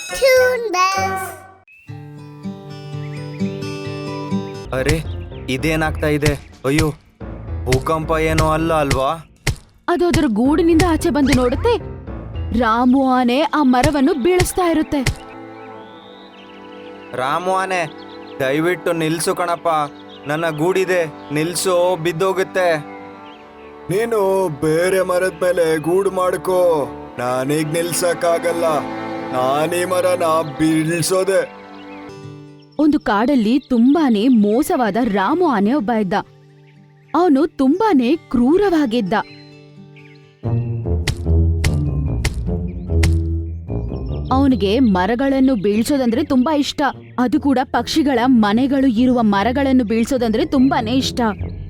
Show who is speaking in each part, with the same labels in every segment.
Speaker 1: Toon Bells.
Speaker 2: ಅರೆ ಇದೇನಾಗ್ತಾ ಇದೆ? ಅಯ್ಯೋ, ಭೂಕಂಪ ಏನೋ ಅಲ್ಲ ಅಲ್ವಾ?
Speaker 3: ಅದು ಅದರ ಗೂಡಿನಿಂದ ಆಚೆ ಬಂದು ನೋಡುತ್ತೆ. ರಾಮು ಆನೆ ಆ ಮರವನ್ನು ಬೀಳಿಸ್ತಾ ಇರುತ್ತೆ.
Speaker 2: ರಾಮು ಆನೆ, ದಯವಿಟ್ಟು ನಿಲ್ಸು ಕಣಪ್ಪ, ನನ್ನ ಗೂಡಿದೆ, ನಿಲ್ಸು, ಬಿದ್ದೋಗುತ್ತೆ.
Speaker 4: ನೀನು ಬೇರೆ ಮರದ ಮೇಲೆ ಗೂಡು ಮಾಡ್ಕೋ, ನಾನೀಗ ನಿಲ್ಸಕ್ಕಾಗಲ್ಲ. ನಾನೀ ಮರನ ಬೀಳ್ಸೋದೆ.
Speaker 3: ಒಂದು ಕಾಡಲ್ಲಿ ತುಂಬಾನೇ ಮೋಸವಾದ ರಾಮು ಆನೆ ಒಬ್ಬ ಇದ್ದ. ಅವನು ತುಂಬಾನೇ ಕ್ರೂರವಾಗಿದ್ದ. ಅವನಿಗೆ ಮರಗಳನ್ನು ಬೀಳ್ಸೋದಂದ್ರೆ ತುಂಬಾ ಇಷ್ಟ. ಅದು ಕೂಡ ಪಕ್ಷಿಗಳ ಮನೆಗಳು ಇರುವ ಮರಗಳನ್ನು ಬೀಳ್ಸೋದಂದ್ರೆ ತುಂಬಾನೇ ಇಷ್ಟ.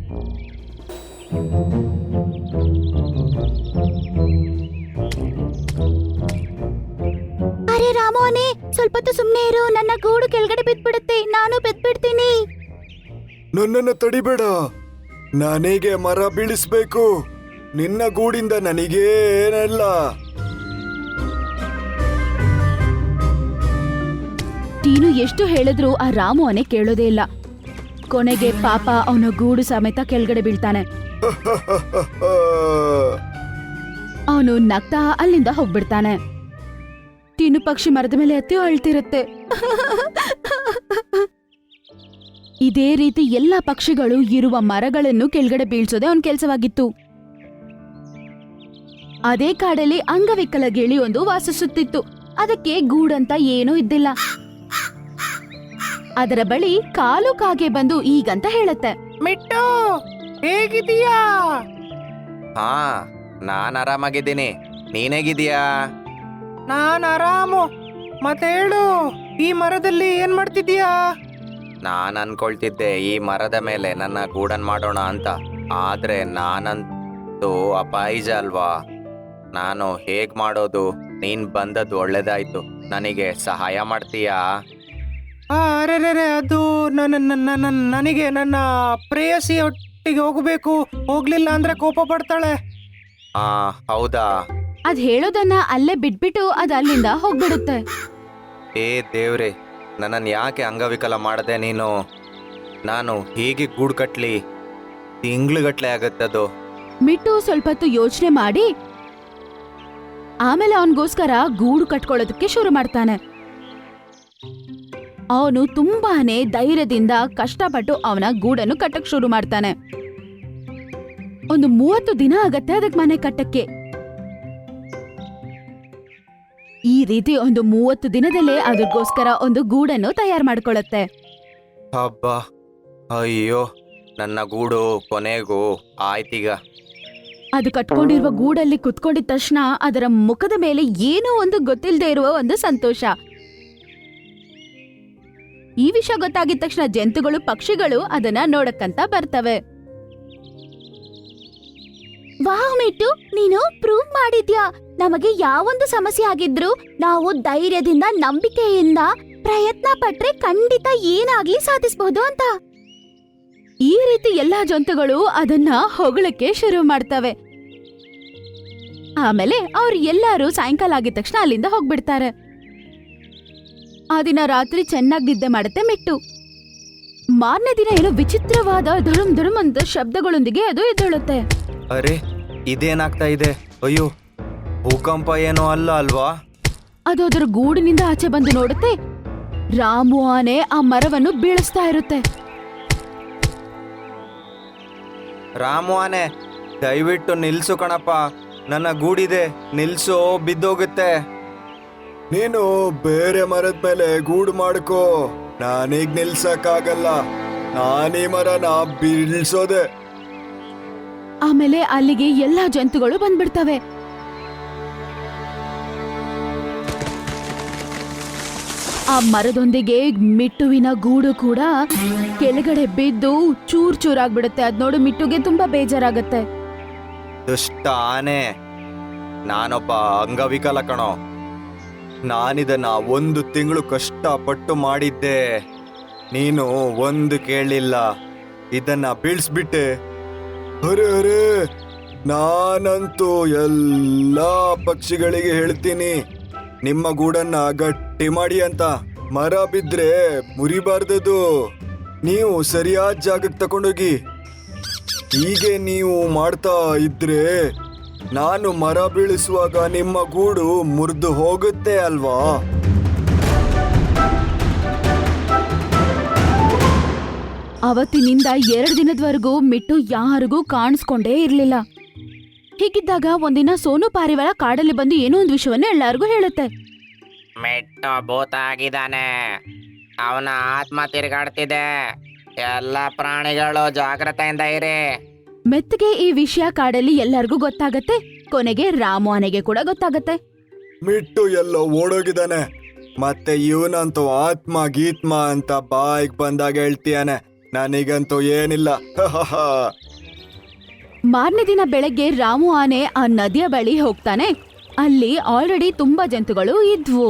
Speaker 3: ಅರೆ ರಾಮು ಆನೆ, ಸ್ವಲ್ಪ ಹೊತ್ತು ಸುಮ್ನೆ ಇರು, ನನ್ನ ಗೂಡು ಕೆಳಗಡೆ ಬಿದ್ಬಿಡುತ್ತೆ, ನಾನು ಬಿದ್ಬಿಡ್ತೀನಿ.
Speaker 4: ನನ್ನನ್ನು ತಡಿಬೇಡ, ನನಗೆ ಮರ ಬೀಳಿಸ್ಬೇಕು. ನಿನ್ನ ಗೂಡಿಂದ ನನಗೇನಲ್ಲ.
Speaker 3: ಟೀನು ಎಷ್ಟು ಹೇಳಿದ್ರೂ ಆ ರಾಮು ಆನೆ ಕೇಳೋದೇ ಇಲ್ಲ. ಕೊನೆಗೆ ಪಾಪ ಅವನ ಗೂಡು ಸಮೇತ ಕೆಳಗಡೆ ಬೀಳ್ತಾನೆ. ಅವನು ನಗ್ತಾ ಅಲ್ಲಿಂದ ಹೋಗ್ಬಿಡ್ತಾನೆ. ಟೀನು ಪಕ್ಷಿ ಮರದ ಮೇಲೆ ಹತ್ತಿ ಅಳ್ತಿರುತ್ತೆ. ಇದೇ ರೀತಿ ಎಲ್ಲಾ ಪಕ್ಷಿಗಳು ಇರುವ ಮರಗಳನ್ನು ಕೆಳಗಡೆ ಬೀಳ್ಸೋದೆ ಅವನ ಕೆಲಸವಾಗಿತ್ತು. ಅದೇ ಕಾಡಲ್ಲಿ ಅಂಗವಿಕಲ ಗಿಳಿ ಒಂದು ವಾಸಿಸುತ್ತಿತ್ತು. ಅದಕ್ಕೆ ಗೂಡಂತ ಏನೂ ಇದ್ದಿಲ್ಲ. ಅದರ ಬಳಿ ಕಾಲು ಕಾಗೆ ಬಂದು ಈಗಂತ ಹೇಳುತ್ತೆ,
Speaker 5: ಮಿಟ್ಟು, ಹೇಗಿದೀಯಾ?
Speaker 2: ಹಾ, ನಾನ್ ಆರಾಮಾಗಿದ್ದೀನಿ, ನೀನೇಗಿದೀಯಾ?
Speaker 5: ನಾನ್ ಆರಾಮು. ಮತ್ತೆ ಹೇಳು, ಈ ಮರದಲ್ಲಿ ಏನ್ ಮಾಡ್ತಿದೀಯಾ?
Speaker 2: ನಾನ್ ಅನ್ಕೊಳ್ತಿದ್ದೆ ಈ ಮರದ ಮೇಲೆ ನನ್ನ ಗೂಡನ್ ಮಾಡೋಣ ಅಂತ. ಆದ್ರೆ ನಾನಂತೂ ಅಪಾಯಿಜ ಅಲ್ವಾ, ನಾನು ಹೇಗ್ ಮಾಡೋದು? ನೀನ್ ಬಂದದ್ದು ಒಳ್ಳೇದಾಯ್ತು. ನನಗೆ ಸಹಾಯ ಮಾಡ್ತೀಯಾ?
Speaker 5: ಅರೆ ಅದು ನನಗೆ ನನ್ನ ಪ್ರೇಯಸಿ ಒಟ್ಟಿಗೆ ಹೋಗ್ಬೇಕು. ಹೋಗ್ಲಿಲ್ಲ ಅಂದ್ರೆ ಕೋಪ ಪಡ್ತಾಳೆ.
Speaker 2: ಆ ಹೌದಾ?
Speaker 3: ಅದ್ ಹೇಳೋದನ್ನ ಅಲ್ಲೇ ಬಿಟ್ಬಿಟ್ಟು ಅದ್ ಅಲ್ಲಿಂದ ಹೋಗ್ಬಿಡುತ್ತೆ.
Speaker 2: ಏ ದೇವ್ರೆ, ನನ್ನನ್ನು ಯಾಕೆ ಅಂಗವಿಕಲ ಮಾಡದೆ ನೀನು? ನಾನು ಹೇಗೆ ಗೂಡು ಕಟ್ಲಿ? ತಿಂಗ್ಳುಗಟ್ಲೆ ಆಗತ್ತದು.
Speaker 3: ಮಿಟ್ಟು ಸ್ವಲ್ಪ ಹೊತ್ತು ಯೋಚನೆ ಮಾಡಿ ಆಮೇಲೆ ಅವನಿಗೋಸ್ಕರ ಗೂಡು ಕಟ್ಕೊಳ್ಳೋದಕ್ಕೆ ಶುರು ಮಾಡ್ತಾನೆ. ಅವನು ತುಂಬಾನೇ ಧೈರ್ಯದಿಂದ ಕಷ್ಟಪಟ್ಟು ಅವನ ಗೂಡನ್ನು ಕಟ್ಟಕ್ ಶುರು ಮಾಡ್ತಾನೆ. ಒಂದು 30 ದಿನ ಆಗತ್ತೆ ಅದಕ್ಕೆ ಮನೆ ಕಟ್ಟಕ್ಕೆ. ಈ ರೀತಿ ಒಂದು 30 ದಿನದಲ್ಲೇ ಅದಕ್ಕೋಸ್ಕರ ಒಂದು ಗೂಡನ್ನು ತಯಾರು ಮಾಡ್ಕೊಳ್ಳುತ್ತೆ.
Speaker 2: ಹಬ್ಬ, ಅಯ್ಯೋ, ನನ್ನ ಗೂಡು ಕೊನೆಗೂ ಆಯ್ತೀಗ.
Speaker 3: ಅದು ಕಟ್ಕೊಂಡಿರುವ ಗೂಡಲ್ಲಿ ಕುತ್ಕೊಂಡಿದ ತಕ್ಷಣ ಅದರ ಮುಖದ ಮೇಲೆ ಏನೋ ಒಂದು ಗೊತ್ತಿಲ್ಲದೆ ಇರುವ ಒಂದು ಸಂತೋಷ. ಈ ವಿಷಯ ಗೊತ್ತಾಗಿದ ತಕ್ಷಣ ಜಂತುಗಳು, ಪಕ್ಷಿಗಳು ಅದನ್ನ ನೋಡಕ್ಕಂತ ಬರ್ತವೆ. ವಾಹ್ ಮಿಟ್ಟು, ನೀನು ಪ್ರೂವ್ ಮಾಡಿದ್ಯಾ. ನಮಗೆ ಯಾವೊಂದು ಸಮಸ್ಯೆ ಆಗಿದ್ರು ನಾವು ಧೈರ್ಯದಿಂದ, ನಂಬಿಕೆಯಿಂದ ಪ್ರಯತ್ನ ಪಟ್ರೆ ಖಂಡಿತ ಏನಾಗ್ಲಿ ಸಾಧಿಸಬಹುದು ಅಂತ. ಈ ರೀತಿ ಎಲ್ಲಾ ಜಂತುಗಳು ಅದನ್ನ ಹೊಗಳಕ್ಕೆ ಶುರು ಮಾಡ್ತವೆ. ಆಮೇಲೆ ಅವ್ರು ಎಲ್ಲರೂ ಸಾಯಂಕಾಲ ಆಗಿದ ತಕ್ಷಣ ಅಲ್ಲಿಂದ ಹೋಗ್ಬಿಡ್ತಾರೆ. ಆ ದಿನ ರಾತ್ರಿ ಚೆನ್ನಾಗಿ ನಿದ್ದೆ ಮಾಡುತ್ತೆ ಮಿಟ್ಟು. ಮಾರನೇ ದಿನ ಏನೋ ವಿಚಿತ್ರವಾದ ಧುರುಮ್ ಧುರುಮ್ ಅಂತ ಶಬ್ದಗಳೊಂದಿಗೆ ಅದು ಎದ್ದೇಳುತ್ತೆ.
Speaker 2: ಅರೆ ಇದೇನಾಗ್ತಾ ಇದೆ? ಅಯ್ಯೋ, ಭೂಕಂಪ ಏನೋ ಅಲ್ಲ ಅಲ್ವಾ?
Speaker 3: ಅದು ಅದರ ಗೂಡಿನಿಂದ ಆಚೆ ಬಂದು ನೋಡುತ್ತೆ. ರಾಮು ಆನೆ ಆ ಮರವನ್ನು ಬೀಳಿಸ್ತಾ ಇರುತ್ತೆ.
Speaker 2: ರಾಮು ಆನೆ, ದಯವಿಟ್ಟು ನಿಲ್ಸು ಕಣಪ್ಪ, ನನ್ನ ಗೂಡಿದೆ, ನಿಲ್ಸು, ಬಿದ್ದೋಗುತ್ತೆ.
Speaker 4: ನೀನು ಬೇರೆ ಮರದ ಮೇಲೆ ಗೂಡು ಮಾಡ್ಕೋ, ನಾನೀಗ ನಿಲ್ಸಕ್ಕಾಗಲ್ಲ. ನಾನೀ ಮರನ ಬೀಳ್ಸೋದೆ.
Speaker 3: ಆಮೇಲೆ ಅಲ್ಲಿಗೆ ಎಲ್ಲಾ ಜಂತುಗಳು ಬಂದ್ಬಿಡ್ತವೆ. ಆ ಮರದೊಂದಿಗೆ ಮಿಟ್ಟುವಿನ ಗೂಡು ಕೂಡ ಕೆಳಗಡೆ ಬಿದ್ದು ಚೂರ್ ಚೂರಾಗ್ಬಿಡುತ್ತೆ. ಅದ್ ನೋಡು ಮಿಟ್ಟುಗೆ ತುಂಬಾ ಬೇಜಾರಾಗತ್ತೆ.
Speaker 2: ದುಷ್ಟ ಆನೆ, ನಾನೊಬ್ಬ ಅಂಗವಿಕಲ ಕಣೋ. ನಾನಿದನ್ನ 1 ತಿಂಗಳು ಕಷ್ಟಪಟ್ಟು ಮಾಡಿದ್ದೆ, ನೀನು ಒಂದು ಕೇಳಲಿಲ್ಲ, ಇದನ್ನ ಬೀಳ್ಸ್ಬಿಟ್ಟೆ.
Speaker 4: ಅರೆ ಅರೆ, ನಾನಂತೂ ಎಲ್ಲಾ ಪಕ್ಷಿಗಳಿಗೆ ಹೇಳ್ತೀನಿ, ನಿಮ್ಮ ಗೂಡನ್ನ ಗಟ್ಟಿ ಮಾಡಿ ಅಂತ. ಮರ ಬಿದ್ರೆ ಮುರಿಬಾರ್ದದು. ನೀವು ಸರಿಯಾದ ಜಾಗಕ್ಕೆ ತಕೊಂಡೋಗಿ. ಹೀಗೆ ನೀವು ಮಾಡ್ತಾ ಇದ್ರೆ ನಾನು ಮರ ಬೀಳಿಸುವಾಗ ನಿಮ್ಮ ಗೂಡು ಮುರಿದು ಹೋಗುತ್ತೆ ಅಲ್ವಾ?
Speaker 3: ಅವತ್ತಿನಿಂದ 2 ದಿನದವರೆಗೂ ಮಿಟ್ಟು ಯಾರಿಗೂ ಕಾಣಿಸ್ಕೊಂಡೇ ಇರ್ಲಿಲ್ಲ. ಹೀಗಿದ್ದಾಗ ಒಂದಿನ ಸೋನು ಪಾರಿವಾಳ ಕಾಡಲ್ಲಿ ಬಂದು ಏನೋ ಒಂದು ವಿಷಯವನ್ನ ಎಲ್ಲಾರ್ಗೂ ಹೇಳುತ್ತೆ.
Speaker 2: ಮಿಟ್ಟು ಭೂತ ಆಗಿದ್ದಾನೆ, ಅವನ ಆತ್ಮ ತಿರುಗಾಡ್ತಿದೆ, ಎಲ್ಲ ಪ್ರಾಣಿಗಳು ಜಾಗ್ರತೆಯಿಂದ ಇರಿ.
Speaker 3: ಮೆತ್ತಗೆ ಈ ವಿಷಯ ಕಾಡಲ್ಲಿ ಎಲ್ಲರಿಗೂ ಗೊತ್ತಾಗತ್ತೆ. ಕೊನೆಗೆ ರಾಮು ಆನೆಗೆ ಕೂಡ ಗೊತ್ತಾಗತ್ತೆ.
Speaker 4: ಮಿಟ್ಟು ಎಲ್ಲೋ ಓಡೋಗಿದ್ದಾನೆ. ಮತ್ತೆ ಇವನಂತೂ ಆತ್ಮ ಗೀತ್ಮ ಅಂತ ಬಾಯಿಗೆ ಬಂದಾಗ ಹೇಳ್ತೀಯಾನೆ. ನನಗಂತೂ ಏನಿಲ್ಲ.
Speaker 3: ಮಾರನೇ ದಿನ ಬೆಳಗ್ಗೆ ರಾಮು ಆನೆ ಆ ನದಿಯ ಬಳಿ ಹೋಗ್ತಾನೆ. ಅಲ್ಲಿ ಆಲ್ರೆಡಿ ತುಂಬಾ ಜಂತುಗಳು ಇದ್ವು.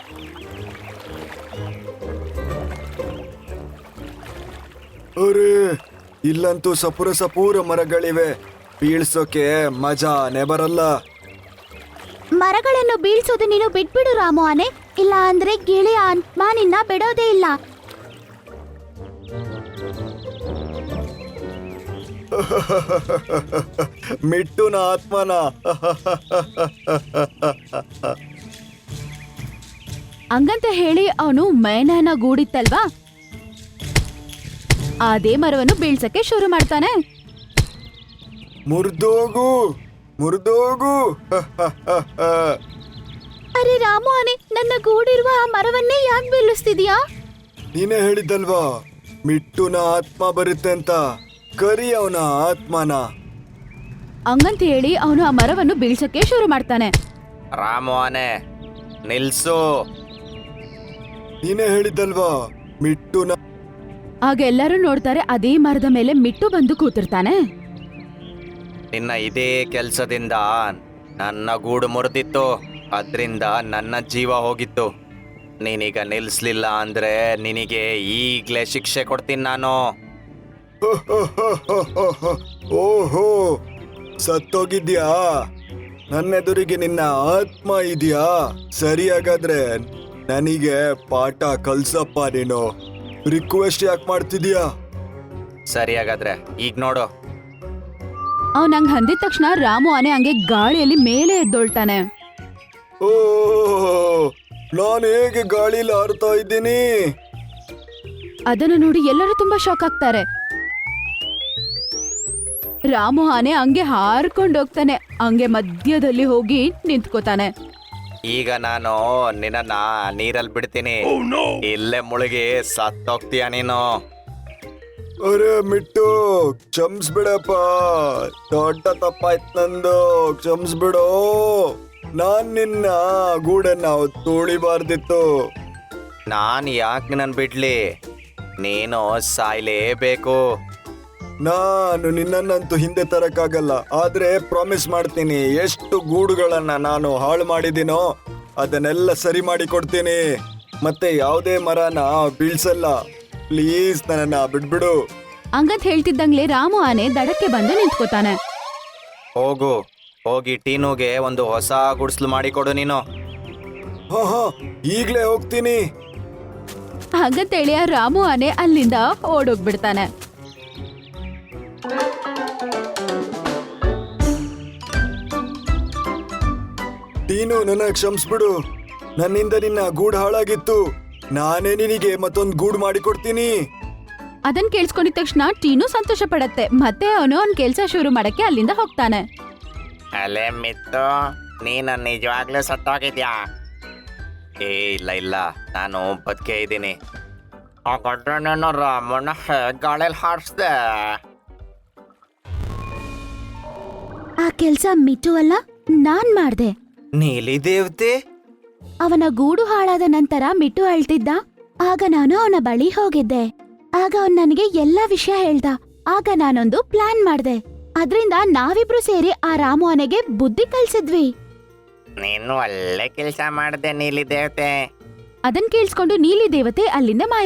Speaker 4: ಅರೆ, ಇಲ್ಲಂತೂ ಸಪೂರ ಮರಗಳಿವೆ. ಬೀಳ್ಸೋಕೆ ಮಜಾನೇ ಬರಲ್ಲ.
Speaker 3: ಮರಗಳನ್ನು ಬೀಳ್ಸೋದು ನೀನು ಬಿಟ್ಬಿಡು ರಾಮು ಆನೆ, ಇಲ್ಲ ಅಂದ್ರೆ ಗಿಳಿಯ ಆತ್ಮ ನಿನ್ನ ಬಿಡೋದೇ ಇಲ್ಲ.
Speaker 4: ಮಿಟ್ಟುನ ಆತ್ಮನ.
Speaker 3: ಹಂಗಂತ ಹೇಳಿ ಅವನು ಮೇನನ ಗೂಡಿತ್ತಲ್ವಾ, ಅದೇ ಮರವನ್ನು ಬೀಳ್ಸಕ್ಕೆ ಶುರು ಮಾಡ್ತಾನೆ.
Speaker 4: ಮುರ್ದೋಗು.
Speaker 3: ಅರೆ ರಾಮು ಆನೆ, ನನ್ನ ಗೂಡಿರುವ ಆ ಮರವನ್ನೇ ಯಾಕೆ ಬೀಳಿಸ್ತಿದ್ಯಾ?
Speaker 4: ನೀನೇ ಹೇಳಿದ್ದಲ್ವಾ ಮಿಟ್ಟುನ ಆತ್ಮ ಬರುತ್ತೆ ಅಂತ. ಕರಿ ಅವನ ಆತ್ಮನ.
Speaker 3: ಹಂಗಂತ ಹೇಳಿ ಅವನು ಆ ಮರವನ್ನು ಬೀಳ್ಸಕ್ಕೆ ಶುರು ಮಾಡ್ತಾನೆ.
Speaker 2: ರಾಮು ಆನೆ, ನಿಲ್ಸು.
Speaker 4: ನೀನೇ ಹೇಳಿದ್ದಲ್ವಾ ಮಿಟ್ಟುನ.
Speaker 3: ಆಗ ಎಲ್ಲರೂ ನೋಡ್ತಾರೆ, ಅದೇ ಮರದ ಮೇಲೆ ಮಿಟ್ಟು ಬಂದು ಕೂತಿರ್ತಾನೆ.
Speaker 2: ನಿನ್ನ ಇದೇ ಕೆಲಸದಿಂದ ನನ್ನ ಗೂಡು ಮುರಿದಿತ್ತು, ಅದರಿಂದ ನನ್ನ ಜೀವ ಹೋಗಿತ್ತು. ನೀನೀಗ ನಿಲ್ಸ್ಲಿಲ್ಲ ಅಂದ್ರೆ ನಿನಗೆ ಈಗ್ಲೇ ಶಿಕ್ಷೆ ಕೊಡ್ತೀನಿ ನಾನು.
Speaker 4: ಓಹೋ, ಸತ್ತೋಗಿದ್ಯಾ? ನನ್ನೆದುರಿಗೆ ನಿನ್ನ ಆತ್ಮ ಇದೆಯಾ? ಸರಿ, ಹಾಗಾದ್ರೆ ನನಗೆ ಪಾಠ ಕಲ್ಸಪ್ಪ. ನೀನು ರಿಕ್ವೆಸ್ಟ್ ಯಾಕೆ ಮಾಡ್ತಿದ್ಯಾ?
Speaker 2: ಸರಿ, ಹಾಗಾದ್ರೆ ಈಗ ನೋಡು.
Speaker 3: ಅವನ್ ಹಂಗ ಅಂದಿದ ತಕ್ಷಣ ರಾಮು ಆನೆ ಹಂಗೆ ಗಾಳಿಯಲ್ಲಿ ಮೇಲೆ ಎದ್ದೊಳ್ತಾನೆ.
Speaker 4: ಓ, ನಾನು ಹೇಗೆ ಗಾಳಿಲಿ ಹಾರ್ತಾ ಇದ್ದೀನಿ?
Speaker 3: ಅದನ್ನು ನೋಡಿ ಎಲ್ಲರೂ ತುಂಬಾ ಶಾಕ್ ಆಗ್ತಾರೆ. ರಾಮು ಆನೆ ಹಂಗೆ ಹಾರ್ಕೊಂಡು ಹೋಗ್ತಾನೆ, ಹಂಗೆ ಮಧ್ಯದಲ್ಲಿ ಹೋಗಿ ನಿಂತ್ಕೋತಾನೆ.
Speaker 2: ಈಗ ನಾನು ನಿನ್ನ ನೀರಲ್ಲಿ ಬಿಡ್ತೀನಿ. ಇಲ್ಲೇ ಮುಳುಗಿ ಸತ್ತೋಗ್ತೀಯ ನೀನು.
Speaker 4: ಅರೆ ಮಿಟ್ಟು, ಕ್ಷಮಿಸ್ಬಿಡಪ್ಪ. ದೊಡ್ಡ ತಪ್ಪಾಯ್ತು ನಂದು. ಕ್ಷಮಿಸ್ಬಿಡು. ನಾನ್ ನಿನ್ನ ಗೂಡನ್ನ ತುಳಿಬಾರ್ದಿತ್ತು.
Speaker 2: ನಾನು ಯಾಕೆ ನನ್ನ ಬಿಡ್ಲಿ? ನೀನು ಸಾಯ್ಲೇಬೇಕು.
Speaker 4: ನಾನು ನಿನ್ನನ್ನಂತೂ ಹಿಂದೆ ತರಕ್ಕಾಗಲ್ಲ. ಆದ್ರೆ ಪ್ರಾಮಿಸ್ ಮಾಡ್ತೀನಿ, ಎಷ್ಟು ಗೂಡುಗಳನ್ನ ನಾನು ಹಾಳು ಮಾಡಿದ್ದೀನೋ ಅದನ್ನೆಲ್ಲ ಸರಿ ಮಾಡಿ ಕೊಡ್ತೀನಿ. ಮತ್ತೆ ಯಾವುದೇ ಮರನ ಬೀಳ್ಸಲ್ಲ. ಪ್ಲೀಸ್ ನನ್ನನ್ನ ಬಿಡ್ಬಿಡು.
Speaker 3: ಹಂಗಂತ ಹೇಳ್ತಿದ್ದಂಗ್ಲೆ ರಾಮು ಆನೆ ದಡಕ್ಕೆ ಬಂದು ನಿಂತ್ಕೋತಾನೆ.
Speaker 2: ಹೋಗಿ ಟೀನುಗೆ ಒಂದು ಹೊಸ ಗುಡಿಸ್ಲು ಮಾಡಿಕೊಡು ನೀನು.
Speaker 4: ಹಾ, ಈಗ್ಲೇ ಹೋಗ್ತೀನಿ.
Speaker 3: ಹಾಗಂತೇಳಿ ಆ ರಾಮು ಆನೆ ಅಲ್ಲಿಂದ ಓಡೋಗ್ಬಿಡ್ತಾನೆ.
Speaker 4: ಟೀನು, ನನ್ನ ಕ್ಷಮಿಸ್ಬಿಡು. ನನ್ನಿಂದ ನಿನ್ನ ಗೂಡು ಹಾಳಾಗಿತ್ತು. ನಾನೇ ನಿನಗೆ ಮತ್ತೊಂದು ಗೂಡು ಮಾಡಿಕೊಡ್ತೀನಿ.
Speaker 3: ಅದನ್ ಕೇಳಿಸ್ಕೊಂಡಿದ ತಕ್ಷಣ ಟೀನು ಸಂತೋಷ ಪಡತ್ತೆ. ಮತ್ತೆ ಅವನು ಅವ್ನ ಕೆಲ್ಸ ಶುರು ಮಾಡಕ್ಕೆ ಅಲ್ಲಿಂದ ಹೋಗ್ತಾನೆ.
Speaker 2: ಅಲೆ ಮಿತ್ತು, ನೀನು ನಿಜವಾಗ್ಲೂ ಸತ್ತೋಗಿದ್ಯಾ? ಇಲ್ಲ, ನಾನು ಬದುಕೆ ಇದ್ದೀನಿ. ಹಾಗಾದ್ರೆ ನಾನು ರಾಮಣ್ಣ ಗಾಳಿಯಲ್ಲಿ ಹಾರಿಸ್ದೆ.
Speaker 3: ಆ ಕೆಲ್ಸ ಮಿಟ್ಟು ಅಲ್ಲ, ನಾನ್ ಮಾಡ್ದೆ.
Speaker 2: ನೀಲಿ ದೇವತೆ?
Speaker 3: ಅವನ ಗೂಡು ಹಾಳಾದ ನಂತರ ಮಿಟ್ಟು ಅಳ್ತಿದ್ದ. ಆಗ ನಾನು ಅವನ ಬಳಿ ಹೋಗಿದ್ದೆ. ಆಗ ಅವನ್ ನನಗೆ ಎಲ್ಲಾ ವಿಷಯ ಹೇಳ್ದ. ಆಗ ನಾನೊಂದು ಪ್ಲಾನ್ ಮಾಡ್ದೆ. ಅದ್ರಿಂದ ನಾವಿಬ್ರು ಸೇರಿ ಆ ರಾಮು ಆನೆಗೆ ಬುದ್ಧಿ ಕಲ್ಸಿದ್ವಿ.
Speaker 2: ನೀನು ಒಳ್ಳೆ ಕೆಲಸ ಮಾಡಿದೆ ನೀಲಿ ದೇವತೆ.
Speaker 3: ಅದನ್ ಕೇಳಿಸ್ಕೊಂಡು ನೀಲಿ ದೇವತೆ ಅಲ್ಲಿಂದ ಮಾಯ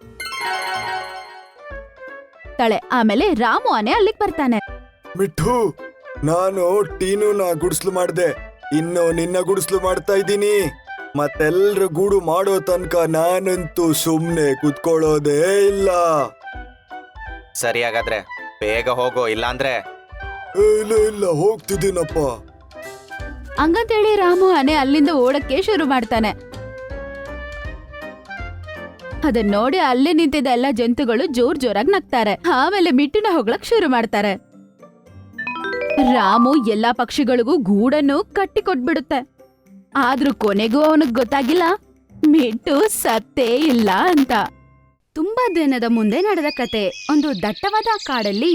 Speaker 3: ಆಗ್ತಾಳೆ. ಆಮೇಲೆ ರಾಮು ಆನೆ ಅಲ್ಲಿಗೆ ಬರ್ತಾನೆ.
Speaker 4: ಮಿಠು, ನಾನು ಟೀನುನ ಗುಡಿಸ್ಲು ಮಾಡ್ದೆ. ಇನ್ನು ನಿನ್ನ ಗುಡಿಸ್ಲು ಮಾಡ್ತಾ ಇದ್ದೀನಿ. ಮತ್ತೆಲ್ರು ಗೂಡು ಮಾಡೋ ತನಕ ನಾನಂತೂ ಸುಮ್ನೆ ಕುತ್ಕೊಳ್ಳೋದೇ ಇಲ್ಲ.
Speaker 2: ಸರಿ ಹಾಗಾದ್ರೆ ಬೇಗ ಹೋಗೋ, ಇಲ್ಲಾಂದ್ರೆ
Speaker 4: ಇಲ್ಲ ಇಲ್ಲ ಹೋಗ್ತಿದ್ದೀನಪ್ಪ.
Speaker 3: ಹಂಗಂತೇಳಿ ರಾಮು ಆನೆ ಅಲ್ಲಿಂದ ಓಡಕ್ಕೆ ಶುರು ಮಾಡ್ತಾನೆ. ಅದನ್ನ ನೋಡಿ ಅಲ್ಲೇ ನಿಂತಿದ್ದ ಎಲ್ಲ ಜಂತುಗಳು ಜೋರಾಗಿ ನಗ್ತಾರೆ. ಆಮೇಲೆ ಮಿಟ್ಟುನ ಹೊಗಳಕ್ ಶುರು ಮಾಡ್ತಾರೆ. ರಾಮು ಎಲ್ಲಾ ಪಕ್ಷಿಗಳಿಗೂ ಗೂಡನ್ನು ಕಟ್ಟಿ ಕೊಟ್ಬಿಡುತ್ತೆ. ಆದ್ರೂ ಕೊನೆಗೂ ಅವನಿಗೆ ಗೊತ್ತಾಗಿಲ್ಲ ಮಿಟ್ಟು ಸತ್ತೇ ಇಲ್ಲ ಅಂತ. ತುಂಬಾ ದಿನದ ಮುಂದೆ ನಡೆದ ಕತೆ. ಒಂದು ದಟ್ಟವಾದ ಕಾಡಲ್ಲಿ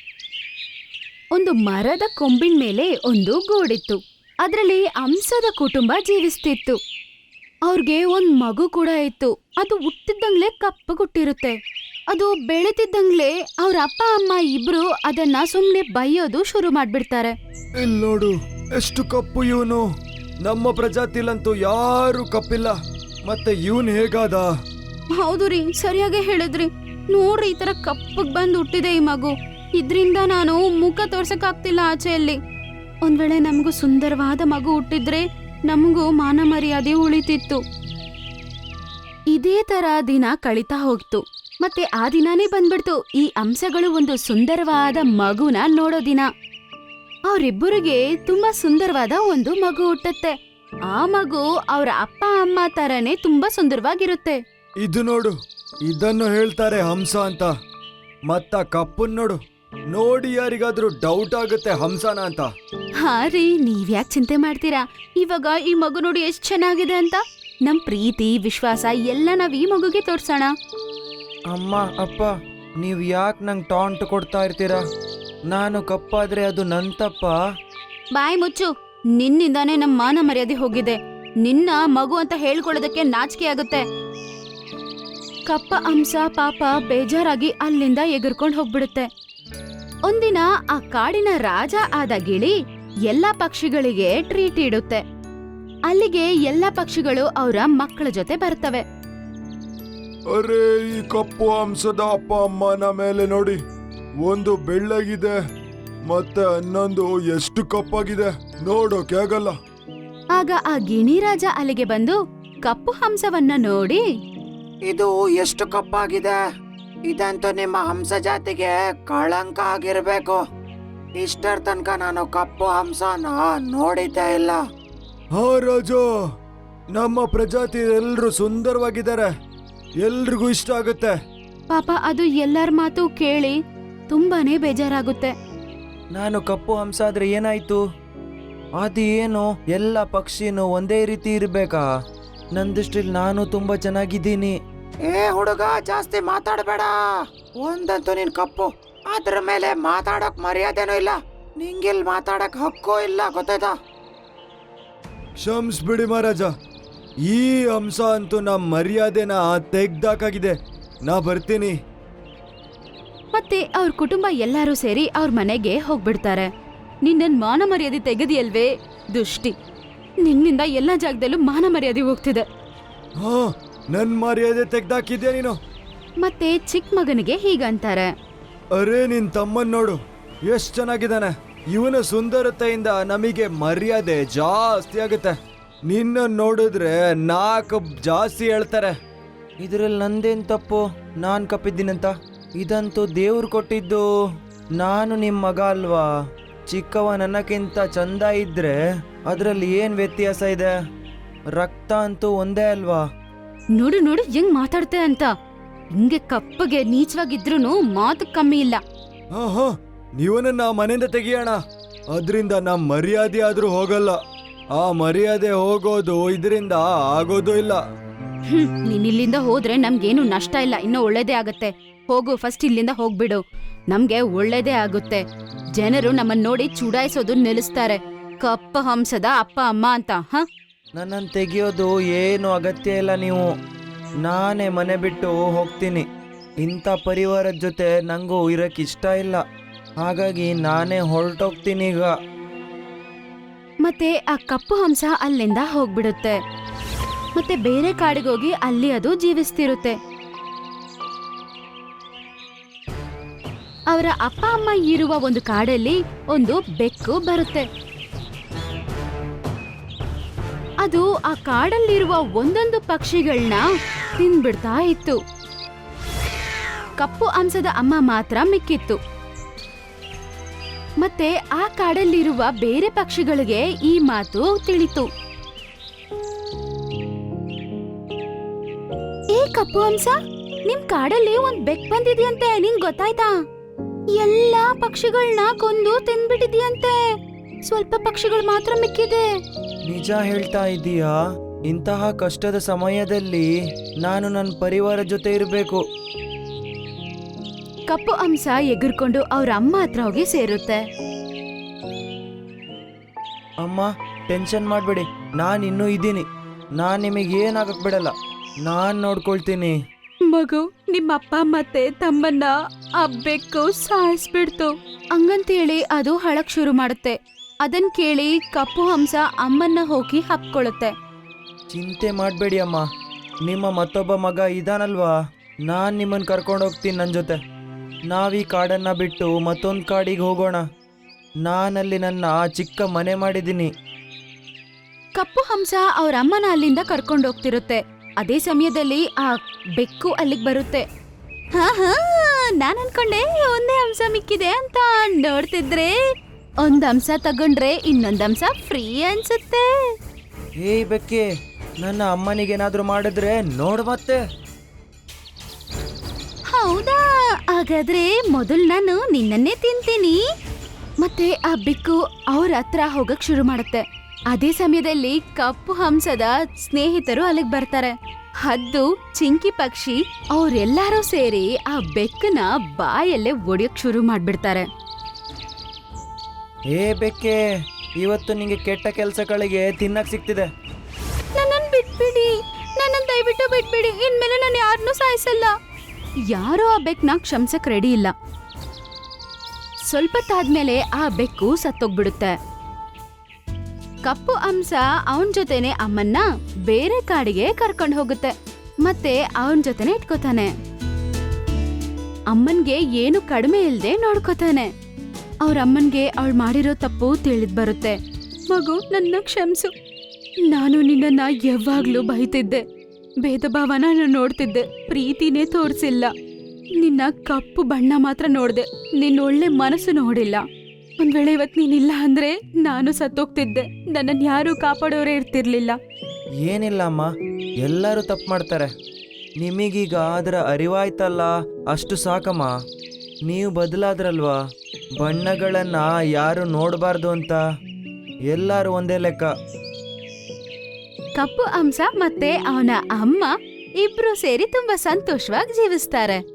Speaker 3: ಒಂದು ಮರದ ಕೊಂಬಿನ ಮೇಲೆ ಒಂದು ಗೂಡಿತ್ತು. ಅದರಲ್ಲಿ ಹಂಸದ ಕುಟುಂಬ ಜೀವಿಸ್ತಿತ್ತು. ಅವ್ರಿಗೆ ಒಂದ್ ಮಗು ಕೂಡ ಇತ್ತು. ಅದು ಹುಟ್ಟಿದ್ದಂಗ್ಲೆ ಕಪ್ಪಗುಟ್ಟಿರುತ್ತೆ. ಅದು ಬೆಳೆತಿದ್ದಂಗ್ಲೆ ಅವ್ರ ಅಪ್ಪ ಅಮ್ಮ ಇಬ್ರು ಅದನ್ನ ಸುಮ್ನೆ ಬೈಯೋದು ಶುರು ಮಾಡ್ಬಿಡ್ತಾರೆ.
Speaker 4: ಇಲ್ಲಿ ನೋಡು ಎಷ್ಟು ಕಪ್ಪು ಇವನು. ನಮ್ಮ ಪ್ರಜಾತಿಲಂತೂ ಯಾರು ಕಪ್ಪಿಲ್ಲ. ಮತ್ತೆ ಇವನ್ ಹೇಗಾದ?
Speaker 3: ಹೌದು ರೀ, ಸರಿಯಾಗಿ ಹೇಳಿದ್ರಿ. ನೋಡ್ರಿ, ಈ ತರ ಕಪ್ಪಗ್ ಬಂದು ಹುಟ್ಟಿದೆ ಈ ಮಗು. ಇದ್ರಿಂದ ನಾನು ಮುಖ ತೋರ್ಸಕ್ಕಾಗ್ತಿಲ್ಲ ಆಚೆಯಲ್ಲಿ. ಒಂದ್ ವೇಳೆ ನಮಗೂ ಸುಂದರವಾದ ಮಗು ಹುಟ್ಟಿದ್ರೆ ನಮಗೂ ಮಾನ ಮರ್ಯಾದೆ ಉಳಿತಿತ್ತು. ಇದೇ ತರ ದಿನ ಕಳೀತಾ ಹೋಗ್ತು. ಮತ್ತೆ ಆ ದಿನಾನೇ ಬಂದ್ಬಿಡ್ತು ಈ ಹಂಸಗಳು ಒಂದು ಸುಂದರವಾದ ಮಗುನ ನೋಡೋ ದಿನ. ಅವರಿಬ್ಬರಿಗೆ ತುಂಬಾ ಸುಂದರವಾದ ಒಂದು ಮಗು ಹುಟ್ಟತ್ತೆ. ಆ ಮಗು ಅವ್ರ ಅಪ್ಪ ಅಮ್ಮ ತರನೇ ತುಂಬಾ ಸುಂದರವಾಗಿರುತ್ತೆ.
Speaker 4: ಇದು ನೋಡು, ಇದನ್ನು ಹೇಳ್ತಾರೆ ಹಂಸ ಅಂತ. ಮತ್ತ ಕಪ್ಪನ್ ನೋಡು, ನೋಡಿ ಯಾರಿಗಾದ್ರೂ ಡೌಟ್ ಆಗುತ್ತೆ ಹಂಸನ ಅಂತ.
Speaker 3: ಹಾ ರೀ, ನೀವ್ಯಾಕ್ ಚಿಂತೆ ಮಾಡ್ತೀರಾ? ಇವಾಗ ಈ ಮಗು ನೋಡಿ ಎಷ್ಟ್ ಚೆನ್ನಾಗಿದೆ ಅಂತ. ನಮ್ ಪ್ರೀತಿ ವಿಶ್ವಾಸ ಎಲ್ಲ ನಾವ್ ಈ ಮಗುಗೆ ತೋರ್ಸೋಣ.
Speaker 5: ಅಮ್ಮ ಅಪ್ಪ, ನೀವು ಯಾಕೆ ನಂಗೆ ಟಾಂಟ್ ಕೊಡ್ತಾ ಇರ್ತೀರಾ? ನಾನು ಕಪ್ಪಾದ್ರೆ ಅದು ನನ್ ತಪ್ಪ?
Speaker 3: ಬಾಯ್ ಮುಚ್ಚು. ನಿನ್ನಿಂದಾನೇ ನಮ್ ಮಾನ ಮರ್ಯಾದೆ ಹೋಗಿದೆ. ನಿನ್ನ ಮಗು ಅಂತ ಹೇಳ್ಕೊಳ್ಳೋದಕ್ಕೆ ನಾಚಿಕೆ ಆಗುತ್ತೆ. ಕಪ್ಪ ಹಂಸ ಪಾಪ ಬೇಜಾರಾಗಿ ಅಲ್ಲಿಂದ ಎಗರ್ಕೊಂಡ್ ಹೋಗ್ಬಿಡುತ್ತೆ. ಒಂದಿನ ಆ ಕಾಡಿನ ರಾಜ ಆದ ಗಿಳಿ ಎಲ್ಲಾ ಪಕ್ಷಿಗಳಿಗೆ ಟ್ರೀಟ್ ಇಡುತ್ತೆ. ಅಲ್ಲಿಗೆ ಎಲ್ಲಾ ಪಕ್ಷಿಗಳು ಅವರ ಮಕ್ಕಳ ಜೊತೆ ಬರ್ತವೆ.
Speaker 4: ಅರೆ, ಈ ಕಪ್ಪು ಹಂಸದ ಅಪ್ಪ ಅಮ್ಮನ ಮೇಲೆ ನೋಡಿ, ಒಂದು ಬೆಳ್ಳಗಿದೆ ಮತ್ತೆ ಇನ್ನೊಂದು ಎಷ್ಟು ಕಪ್ಪಾಗಿದೆ ನೋಡೋಕೆ ಆಗಲ್ಲ.
Speaker 3: ಆಗ ಆ ಗಿಣಿರಾಜ ಅಲ್ಲಿಗೆ ಬಂದು ಕಪ್ಪು ಹಂಸವನ್ನ ನೋಡಿ,
Speaker 5: ಇದು ಎಷ್ಟು ಕಪ್ಪಾಗಿದೆ. ಇದಂತೂ ನಿಮ್ಮ ಹಂಸ ಜಾತಿಗೆ ಕಳಂಕ ಆಗಿರ್ಬೇಕು. ಇಷ್ಟರ ತನಕ ನಾನು ಕಪ್ಪು ಹಂಸನ ನೋಡಿದ್ದೇ ಇಲ್ಲ.
Speaker 4: ಹಾ ರಾಜ, ನಮ್ಮ ಪ್ರಜಾತಿ ಎಲ್ರು ಸುಂದರವಾಗಿದ್ದಾರೆ, ಎಲ್ರಿಗೂ ಇಷ್ಟ ಆಗುತ್ತೆ.
Speaker 3: ಪಾಪ ಅದು ಎಲ್ಲರ ಮಾತು ಕೇಳಿ ತುಂಬಾನೇ ಬೇಜಾರಾಗುತ್ತೆ.
Speaker 5: ನಾನು ಕಪ್ಪು ಹಂಸ ಆದ್ರೆ ಏನಾಯ್ತು? ಅದೇನು ಎಲ್ಲ ಪಕ್ಷಿನೂ ಒಂದೇ ರೀತಿ ಇರ್ಬೇಕಾ? ನನ್ನ ದೃಷ್ಟಿಲಿ ನಾನು ತುಂಬಾ ಚೆನ್ನಾಗಿದ್ದೀನಿ. ಏ ಹುಡುಗ, ಜಾಸ್ತಿ ಮಾತಾಡಬೇಡ. ಒಂದಂತೂ ನೀನ್ ಕಪ್ಪು, ಅದ್ರ ಮೇಲೆ ಮಾತಾಡಕ್ ಮರ್ಯಾದೆನೂ ಇಲ್ಲ. ನಿಂಗಿಲ್ ಮಾತಾಡಕ್ ಹಕ್ಕೂ ಇಲ್ಲ, ಗೊತ್ತಾಯ್ತಾ?
Speaker 4: ಕ್ಷಮಿಸ್ಬಿಡಿ ಮಹಾರಾಜ, ಈ ಹಂಸ ಅಂತೂ ನಮ್ಮ ಮರ್ಯಾದೆನ ತೆಗ್ದಾಕಾಗಿದೆ. ನಾ ಬರ್ತೀನಿ.
Speaker 3: ಮತ್ತೆ ಅವ್ರ ಕುಟುಂಬ ಎಲ್ಲರೂ ಸೇರಿ ಅವ್ರ ಮನೆಗೆ ಹೋಗ್ಬಿಡ್ತಾರೆ. ನಿನ್ನನ್ ಮಾನ ಮರ್ಯಾದೆ ತೆಗೆದಿಯಲ್ವೇ ದುಷ್ಟಿ. ನಿನ್ನಿಂದ ಎಲ್ಲಾ ಜಾಗದಲ್ಲೂ ಮಾನ ಮರ್ಯಾದೆ ಹೋಗ್ತಿದೆ.
Speaker 4: ಹಾ, ನನ್ ಮರ್ಯಾದೆ ತೆಗ್ದಾಕಿದ್ಯಾ ನೀನು?
Speaker 3: ಮತ್ತೆ ಚಿಕ್ಕ ಮಗನಿಗೆ ಹೀಗಂತಾರೆ.
Speaker 4: ಅರೆ, ನಿನ್ ತಮ್ಮನ್ ನೋಡು, ಎಷ್ಟ್ ಚೆನ್ನಾಗಿದ್ದಾನೆ. ಇವನ ಸುಂದರತೆಯಿಂದ ನಮಗೆ ಮರ್ಯಾದೆ ಜಾಸ್ತಿ ಆಗುತ್ತೆ. ನಿನ್ನ ನೋಡಿದ್ರೆ 4 ಜಾಸ್ತಿ ಹೇಳ್ತಾರೆ.
Speaker 5: ಇದ್ರಲ್ಲಿ ನಂದೇನ್ ತಪ್ಪು? ನಾನ್ ಕಪ್ಪಿದ್ದೀನಂತ? ಇದಂತೂ ದೇವ್ರು ಕೊಟ್ಟಿದ್ದು. ನಾನು ನಿಮ್ ಮಗ ಅಲ್ವಾ? ಚಿಕ್ಕವ ನನ್ನಕ್ಕಿಂತ ಚಂದ ಇದ್ರೆ ಅದ್ರಲ್ಲಿ ಏನ್ ವ್ಯತ್ಯಾಸ ಇದೆ? ರಕ್ತ ಅಂತೂ ಒಂದೇ ಅಲ್ವಾ?
Speaker 3: ನೋಡು ನೋಡು ಹೆಂಗ್ ಮಾತಾಡ್ತೆ ಅಂತ. ಹಿಂಗೆ ಕಪ್ಪಗೆ ನೀಚವಾಗಿದ್ರೂನು ಮಾತು ಕಮ್ಮಿ ಇಲ್ಲ.
Speaker 4: ಹಾ ಹಾ, ನೀವನನ್ನ ಮನೆಯಿಂದ ತೆಗಿಯೋಣ. ಅದ್ರಿಂದ ನಮ್ ಮರ್ಯಾದೆ ಆದ್ರೂ ಹೋಗಲ್ಲ. ಆ ಮರ್ಯಾದೆ ಹೋಗೋದು ಇದರಿಂದ ಆಗೋದು ಇಲ್ಲ.
Speaker 3: ನೀನ್ ಇಲ್ಲಿಂದ ಹೋದ್ರೆ ನಮ್ಗೇನು ನಷ್ಟ ಇಲ್ಲ, ಇನ್ನೂ ಒಳ್ಳೇದೇ ಆಗತ್ತೆ. ಹೋಗು, ಫಸ್ಟ್ ಇಲ್ಲಿಂದ ಹೋಗ್ಬಿಡು. ನಮ್ಗೆ ಒಳ್ಳೇದೇ ಆಗುತ್ತೆ. ಜನರು ನಮ್ಮನ್ನ ನೋಡಿ ಚುಡಾಯಿಸೋದು ನಿಲ್ಲಿಸ್ತಾರೆ. ಕಪ್ಪ ಹಂಸದ ಅಪ್ಪ ಅಮ್ಮ ಅಂತ. ಹ,
Speaker 5: ನನ್ನನ್ನು ತೆಗಿಯೋದು ಏನು ಅಗತ್ಯ ಇಲ್ಲ. ನೀವು, ನಾನೇ ಮನೆ ಬಿಟ್ಟು ಹೋಗ್ತೀನಿ. ಇಂಥ ಪರಿವಾರದ ಜೊತೆ ನಂಗೂ ಇರಕ್ಕೆ ಇಷ್ಟ ಇಲ್ಲ. ಹಾಗಾಗಿ ನಾನೇ ಹೊರಟೋಗ್ತೀನಿ ಈಗ.
Speaker 3: ಮತ್ತೆ ಆ ಕಪ್ಪು ಹಂಸ ಅಲ್ಲಿಂದ ಹೋಗ್ಬಿಡುತ್ತೆ. ಮತ್ತೆ ಬೇರೆ ಕಾಡಿಗೋಗಿ ಅಲ್ಲಿ ಅದು ಜೀವಿಸ್ತಿರುತ್ತೆ. ಅವರ ಅಪ್ಪ ಅಮ್ಮ ಇರುವ ಒಂದು ಕಾಡಲ್ಲಿ ಒಂದು ಬೆಕ್ಕು ಬರುತ್ತೆ. ಅದು ಆ ಕಾಡಲ್ಲಿರುವ ಒಂದೊಂದು ಪಕ್ಷಿಗಳನ್ನ ತಿಂದ್ಬಿಡ್ತಾ ಇತ್ತು. ಕಪ್ಪು ಹಂಸದ ಅಮ್ಮ ಮಾತ್ರ ಮಿಕ್ಕಿತ್ತು. ಮತ್ತೆ ಆ ಕಾಡಲ್ಲಿರುವ ಬೇರೆ ಪಕ್ಷಿಗಳಿಗೆ ಈ ಮಾತು ತಿಳಿತು. ಏ ಕಪ್ಪು ಹಂಸ, ನಿಮ್ ಕಾಡಲ್ಲಿ ಒಂದ್ ಬೆಕ್ ಬಂದಿದ್ಯಂತೆ, ನಿಂಗ್ ಗೊತ್ತಾಯ್ತಾ? ಎಲ್ಲಾ ಪಕ್ಷಿಗಳನ್ನ ಕೊಂದು ತಿಂದ್ಬಿಟ್ಟಿದ್ಯಂತೆ. ಸ್ವಲ್ಪ ಪಕ್ಷಿಗಳು ಮಾತ್ರ ಮಿಕ್ಕಿದೆ.
Speaker 5: ನಿಜ ಹೇಳ್ತಾ ಇದೀಯಾ? ಇಂತಹ ಕಷ್ಟದ ಸಮಯದಲ್ಲಿ ನಾನು ನನ್ನ ಪರಿವಾರ ಜೊತೆ ಇರಬೇಕು.
Speaker 3: ಕಪ್ಪು ಹಂಸ ಎಗರ್ಕೊಂಡು ಅವ್ರ ಅಮ್ಮ ಹತ್ರ ಹೋಗಿ ಸೇರುತ್ತೆ.
Speaker 5: ಅಮ್ಮ, ಟೆನ್ಷನ್ ಮಾಡಬೇಡಿ, ನಾನು ಇನ್ನೂ ಇದ್ದೀನಿ. ನಾನು ನಿಮಗೆ ಏನಾಗಕ್ ಬಿಡಲ್ಲ, ನಾನು ನೋಡ್ಕೊಳ್ತೀನಿ.
Speaker 3: ಮಗು, ನಿಮ್ಮಪ್ಪ ಮತ್ತೆ ತಮ್ಮನ್ನ ಆ ಬೆಕ್ಕು ಸಾಯಿಸ್ಬಿಡ್ತು ಹಂಗಂತೇಳಿ ಅದು ಹಳಕ್ ಶುರು ಮಾಡುತ್ತೆ. ಅದನ್ ಕೇಳಿ ಕಪ್ಪು ಹಂಸ ಅಮ್ಮನ್ನ ಹೋಗಿ ಹಪ್ಕೊಳ್ಳುತ್ತೆ.
Speaker 5: ಚಿಂತೆ ಮಾಡಬೇಡಿ ಅಮ್ಮ, ನಿಮ್ಮ ಮತ್ತೊಬ್ಬ ಮಗ ಇದಾನಲ್ವಾ, ನಾನು ನಿಮ್ಮನ್ನು ಕರ್ಕೊಂಡು ಹೋಗ್ತೀನಿ ನನ್ನ ಜೊತೆ. ನಾವೀ ಕಾಡನ್ನು ಬಿಟ್ಟು ಮತ್ತೊಂದು ಕಾಡಿಗೆ ಹೋಗೋಣ. ನಾನಲ್ಲಿ ನನ್ನ ಚಿಕ್ಕ ಮನೆ ಮಾಡಿದ್ದೀನಿ.
Speaker 3: ಕಪ್ಪು ಹಂಸ ಅವ್ರ ಅಮ್ಮನ ಅಲ್ಲಿಂದ ಕರ್ಕೊಂಡು ಹೋಗ್ತಿರುತ್ತೆ. ಅದೇ ಸಮಯದಲ್ಲಿ ಆ ಬೆಕ್ಕು ಅಲ್ಲಿಗೆ ಬರುತ್ತೆ. ಹಾ ಹಾ, ನಾನ್ ಅನ್ಕೊಂಡೆ ಒಂದೇ ಹಂಸ ಮಿಕ್ಕಿದೆ ಅಂತ. ನೋಡ್ತಿದ್ರೆ ಒಂದ್ ಹಂಸ ತಗೊಂಡ್ರೆ ಇನ್ನೊಂದ್ ಹಂಸ ಫ್ರೀ ಅನ್ಸುತ್ತೆ.
Speaker 5: ಏಯ್ ಬೆಕ್ಕೆ, ನನ್ನ ಅಮ್ಮನಿಗೇನಾದರೂ ಮಾಡಿದ್ರೆ ನೋಡು ಮತ್ತೆ.
Speaker 3: ಹೌದಾ? ಹಾಗಾದ್ರೆ ಮೊದಲು ನಾನು ನಿನ್ನನ್ನೇ ತಿಂತೀನಿ. ಮತ್ತೆ ಆ ಬೆಕ್ಕು ಅವ್ರ ಹತ್ರ ಹೋಗಕ್ ಶುರು ಮಾಡುತ್ತೆ. ಅದೇ ಸಮಯದಲ್ಲಿ ಕಪ್ಪು ಹಂಸದ ಸ್ನೇಹಿತರು ಅಲ್ಲಿಗೆ ಬರ್ತಾರೆ. ಹದ್ದು, ಚಿಂಕಿ ಪಕ್ಷಿ ಅವ್ರೆಲ್ಲಾರು ಸೇರಿ ಆ ಬೆಕ್ಕನ ಬಾಯಲ್ಲೇ ಒಡೆಯಕ್ ಶುರು ಮಾಡ್ಬಿಡ್ತಾರೆ.
Speaker 5: ಏ ಬೆಕ್ಕೆ, ಇವತ್ತು ನಿಂಗೆ ಕೆಟ್ಟ ಕೆಲಸಗಳಿಗೆ ತಿನ್ನಕ್ ಸಿಗ್ತಿದೆ.
Speaker 3: ನನ್ನನ್ನು ಬಿಟ್ಬಿಡಿ, ನನ್ನನ್ನು ದಯವಿಟ್ಟು ಬಿಟ್ಬಿಡಿ. ಇನ್ಮೇಲೆ ನಾನು ಯಾರನ್ನೂ ಸಾಯಿಸಲ್ಲ. ಯಾರೋ ಆ ಬೆಕ್ಕನ ಕ್ಷಮಿಸಕ್ ರೆಡಿ ಇಲ್ಲ. ಸ್ವಲ್ಪ ತಾದ್ಮೇಲೆ ಆ ಬೆಕ್ಕು ಸತ್ತೋಗ್ಬಿಡುತ್ತೆ. ಕಪ್ಪು ಹಂಸ ಅವನ್ ಜೊತೆನೆ ಅಮ್ಮನ್ನ ಬೇರೆ ಕಾಡಿಗೆ ಕರ್ಕೊಂಡು ಹೋಗುತ್ತೆ. ಮತ್ತೆ ಅವನ್ ಜೊತೆನೆ ಇಟ್ಕೋತಾನೆ. ಅಮ್ಮನ್ಗೆ ಏನು ಕಡಿಮೆ ಇಲ್ದೆ ನೋಡ್ಕೋತಾನೆ. ಅವ್ರ ಅಮ್ಮನ್ಗೆ ಅವಳು ಮಾಡಿರೋ ತಪ್ಪು ತಿಳಿದ್ ಬರುತ್ತೆ. ಮಗು, ನನ್ನ ಕ್ಷಮಿಸು. ನಾನು ನಿನ್ನನ್ನ ಯಾವಾಗ್ಲೂ ಬೈತಿದ್ದೆ, ಭೇದ ಭಾವನ ನಾನು ನೋಡ್ತಿದ್ದೆ, ಪ್ರೀತಿನೇ ತೋರಿಸಿಲ್ಲ. ನಿನ್ನ ಕಪ್ಪು ಬಣ್ಣ ಮಾತ್ರ ನೋಡ್ದೆ, ನಿನ್ನ ಒಳ್ಳೆ ಮನಸ್ಸು ನೋಡಿಲ್ಲ. ಒಂದ್ ವೇಳೆ ಇವತ್ತು ನೀನಿಲ್ಲ ಅಂದ್ರೆ ನಾನು ಸತ್ತೋಗ್ತಿದ್ದೆ. ನನ್ನನ್ನು ಯಾರೂ ಕಾಪಾಡೋರೇ ಇರ್ತಿರ್ಲಿಲ್ಲ.
Speaker 5: ಏನಿಲ್ಲ ಅಮ್ಮ, ಎಲ್ಲರೂ ತಪ್ಪು ಮಾಡ್ತಾರೆ. ನಿಮಗೀಗ ಅದರ ಅರಿವಾಯ್ತಲ್ಲ, ಅಷ್ಟು ಸಾಕಮ್ಮ. ನೀವು ಬದಲಾದ್ರಲ್ವಾ, ಬಣ್ಣಗಳನ್ನ ಯಾರು ನೋಡಬಾರ್ದು ಅಂತ. ಎಲ್ಲರೂ ಒಂದೇ ಲೆಕ್ಕ.
Speaker 3: ಕಪ್ಪು ಹಂಸ ಮತ್ತೆ ಅವನ ಅಮ್ಮ ಇಬ್ರು ಸೇರಿ ತುಂಬಾ ಸಂತೋಷವಾಗಿ ಜೀವಿಸ್ತಾರೆ.